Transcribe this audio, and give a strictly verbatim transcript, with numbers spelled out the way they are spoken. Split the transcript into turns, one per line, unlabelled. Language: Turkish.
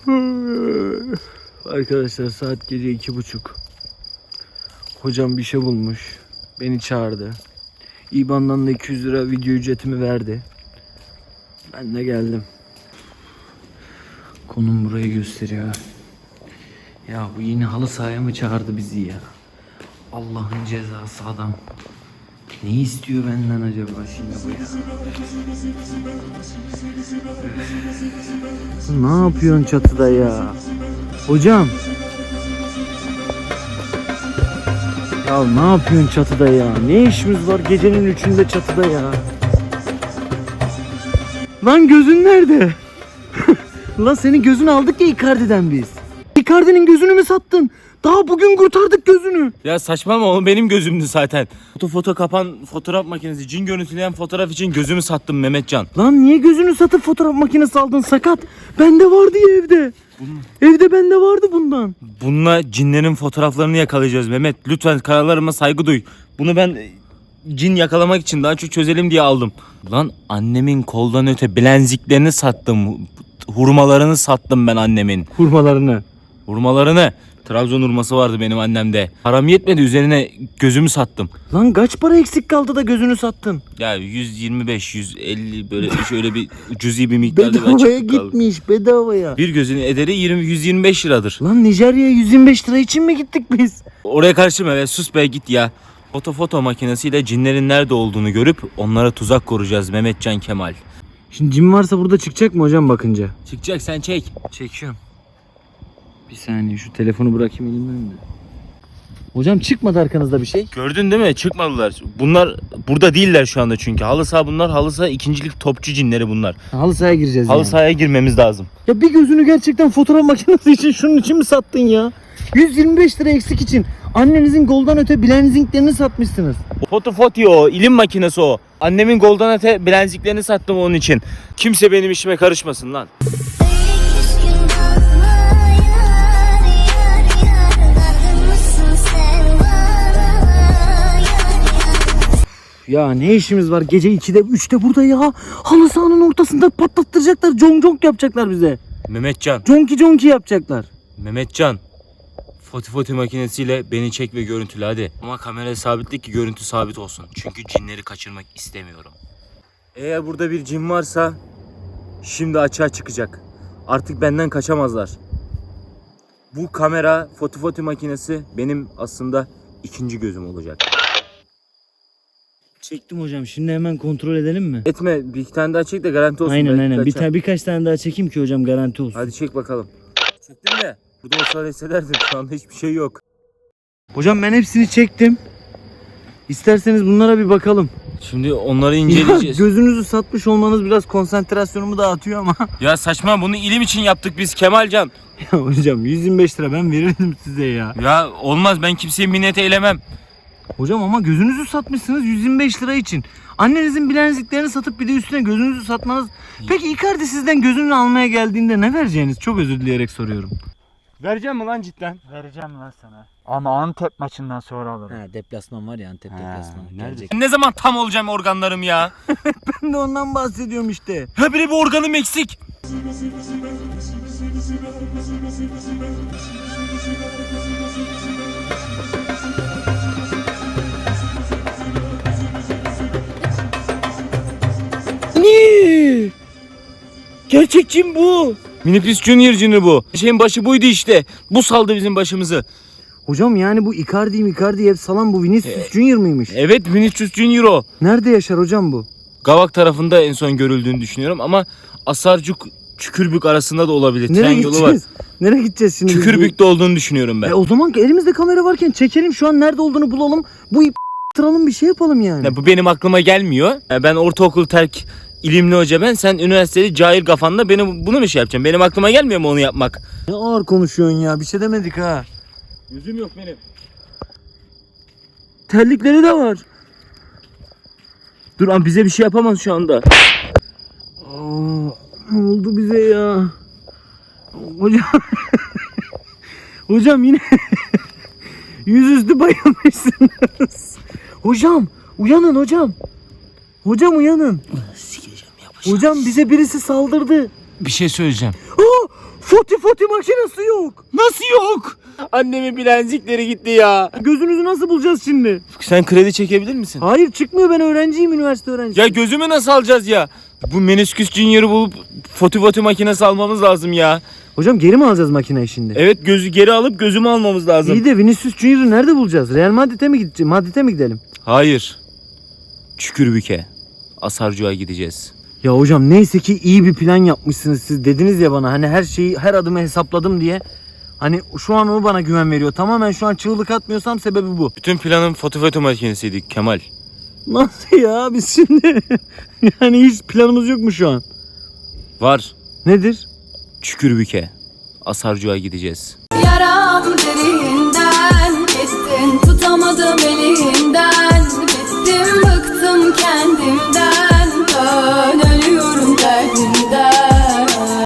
Arkadaşlar saat gece iki buçuk. Hocam bir şey bulmuş. Beni çağırdı. İBAN'dan da iki yüz lira video ücretimi verdi. Ben de geldim. Konum burayı gösteriyor. Ya bu yine halı sahaya mı çağırdı bizi ya? Allah'ın cezası adam. Ne istiyor benden acaba şimdi bu ya? Ne yapıyorsun çatıda ya? Hocam. Ya ne yapıyorsun çatıda ya? Ne işimiz var gecenin üçünde çatıda ya? Lan gözün nerede? Lan senin gözünü aldık ya Icardi'den biz. Icardi'nin gözünü mü sattın? Daha bugün kurtardık gözünü.
Ya saçmalama, o benim gözümdü zaten. Foto foto kapan fotoğraf makinesi, cin görüntüleyen fotoğraf için gözümü sattım Mehmetcan.
Lan niye gözünü satıp fotoğraf makinesi aldın sakat? Bende vardı ya evde. Bunun... Evde bende vardı bundan.
Bununla cinlerin fotoğraflarını yakalayacağız Mehmet. Lütfen kararlarıma saygı duy. Bunu ben cin yakalamak için daha çok çözelim diye aldım. Lan annemin koldan öte bilenziklerini sattım. Hurmalarını sattım ben annemin.
Hurmalarını.
Hurmalarını. Trabzon hurması vardı benim annemde. Param yetmedi, üzerine gözümü sattım.
Lan kaç para eksik kaldı da gözünü sattın?
Ya yüz yirmi beş yüz elli böyle şöyle bir cüzi bir miktarda bir
bedavaya
açıklık kaldı.
gitmiş bedavaya.
Bir gözün ederi yirmi yüz yirmi beş liradır.
Lan Nijerya'ya yüz yirmi beş lira için mi gittik biz?
Oraya karışma be, sus be, git ya. Foto foto makinesiyle cinlerin nerede olduğunu görüp onlara tuzak kuracağız Mehmetcan Kemal.
Şimdi cin varsa burada çıkacak mı hocam bakınca?
Çıkacak, sen çek.
Çekiyorum. Bir saniye şu telefonu bırakayım elimden de. Hocam çıkmadı arkanızda bir şey.
Gördün değil mi? Çıkmadılar. Bunlar burada değiller şu anda çünkü. Halı saha bunlar. Halı saha ikincilik topçu cinleri bunlar.
Halı sahaya gireceğiz
Halı
yani.
sahaya girmemiz lazım.
Ya bir gözünü gerçekten fotoğraf makinesi için şunun için mi sattın ya? yüz yirmi beş lira eksik için annenizin goldan öte bilenziklerini satmışsınız.
Foto foto o. İlim makinesi o. Annemin golden öte bilenziklerini sattım onun için. Kimse benim işime karışmasın lan.
Ya ne işimiz var gece ikide üçte burada ya? Halı sahanın ortasında patlattıracaklar. Conk conk yapacaklar bize.
Mehmetcan.
Conki conki yapacaklar.
Mehmetcan. Foto foto makinesiyle beni çek ve görüntüle hadi. Ama kamerayı sabitlik ki görüntü sabit olsun. Çünkü cinleri kaçırmak istemiyorum. Eğer burada bir cin varsa şimdi açığa çıkacak. Artık benden kaçamazlar. Bu kamera, foto foto makinesi benim aslında ikinci gözüm olacak.
Çektim hocam. Şimdi hemen kontrol edelim mi?
Etme, bir tane daha çek de garanti olsun.
Aynen
Belki
aynen. Bir
kaçar.
tane birkaç tane daha çekeyim ki hocam garanti olsun.
Hadi çek bakalım. Çektin mi? Burada olsa hissederdim. Şu anda hiçbir şey yok.
Hocam ben hepsini çektim. İsterseniz bunlara bir bakalım.
Şimdi onları
Ya,
inceleyeceğiz.
gözünüzü satmış olmanız biraz konsantrasyonumu dağıtıyor ama.
Ya saçma, bunu ilim için yaptık biz Kemalcan.
Ya hocam yüz yirmi beş lira ben verirdim size ya.
Ya olmaz, ben kimseye minnet eylemem.
Hocam ama gözünüzü satmışsınız yüz yirmi beş lira için. Annenizin bilenziklerini satıp bir de üstüne gözünüzü satmanız. Peki Icardi sizden gözünü almaya geldiğinde ne vereceğiniz? Çok özür dileyerek soruyorum.
Vereceğim mi lan cidden?
Vereceğim lan sana. Ama Antep maçından sonra alırım.
Ha, deplasman var ya Antep deplasmanı. Gelecek.
Ne zaman tam olacağım organlarım ya?
Ben de ondan bahsediyorum işte.
Ha bile bir organım eksik.
Ne? Gerçek cin bu.
Miniplis Junior cini bu. Şeyin başı buydu işte. Bu saldı bizim başımızı.
Hocam yani bu Icardi Icardi hep salan bu Vinicius Junior mıymış?
Evet, Vinicius Junior o.
Nerede yaşar hocam bu?
Gavak tarafında en son görüldüğünü düşünüyorum ama Asarcuk Çükürbük arasında da olabilir.
Nereye
Tren yolu var.
gideceğiz? Nereye gideceğiz şimdi?
Çükürbük'te olduğunu düşünüyorum ben.
E o zaman elimizde kamera varken çekelim şu an nerede olduğunu bulalım. Bu ip tıralım bir şey yapalım yani.
Ya bu benim aklıma gelmiyor. Ya ben ortaokul terk ilimli hoca ben. Sen üniversitede cahil kafanla beni bunu mu şey yapacaksın? Benim aklıma gelmiyor mu onu yapmak?
Ne ağır konuşuyorsun ya bir şey demedik ha.
Yüzüm yok benim.
Terlikleri de var.
Dur ama bize bir şey yapamaz şu anda.
Aa, ne oldu bize ya? Hocam Hocam yine yüzüstü bayılmışsınız. Hocam uyanın hocam. Hocam uyanın.
Sikeceğim yapacağım.
Hocam bize birisi saldırdı.
Bir şey söyleyeceğim.
Aa, Foti foti makinesi yok.
Nasıl yok? Annemin bilenzikleri gitti ya.
Gözünüzü nasıl bulacağız şimdi?
Sen kredi çekebilir misin?
Hayır çıkmıyor, ben öğrenciyim, üniversite öğrencisiyim.
Ya gözümü nasıl alacağız ya? Bu menisküs Junior'ı bulup foto foto makinesi almamız lazım ya.
Hocam geri mi alacağız makineyi şimdi?
Evet, gözü geri alıp gözümü almamız lazım.
İyi de Vinicius Junior'ı nerede bulacağız? Real Madrid'e mi gideceğiz? Madrid'e mi gidelim?
Hayır. Çükürbük'e. Asarcık'a gideceğiz.
Ya hocam neyse ki iyi bir plan yapmışsınız siz. Dediniz ya bana hani her şeyi, her adımı hesapladım diye. Hani şu an o bana güven veriyor. Tamamen şu an çığlık atmıyorsam sebebi bu.
Bütün planım foto foto makinesiydi Kemal.
Nasıl ya? Biz şimdi yani hiç planımız yok mu şu an?
Var.
Nedir?
Çükürbük'e. Asarcık'a gideceğiz.
Yaram derinden kestin, tutamadım elinden. Bittim, bıktım kendimden.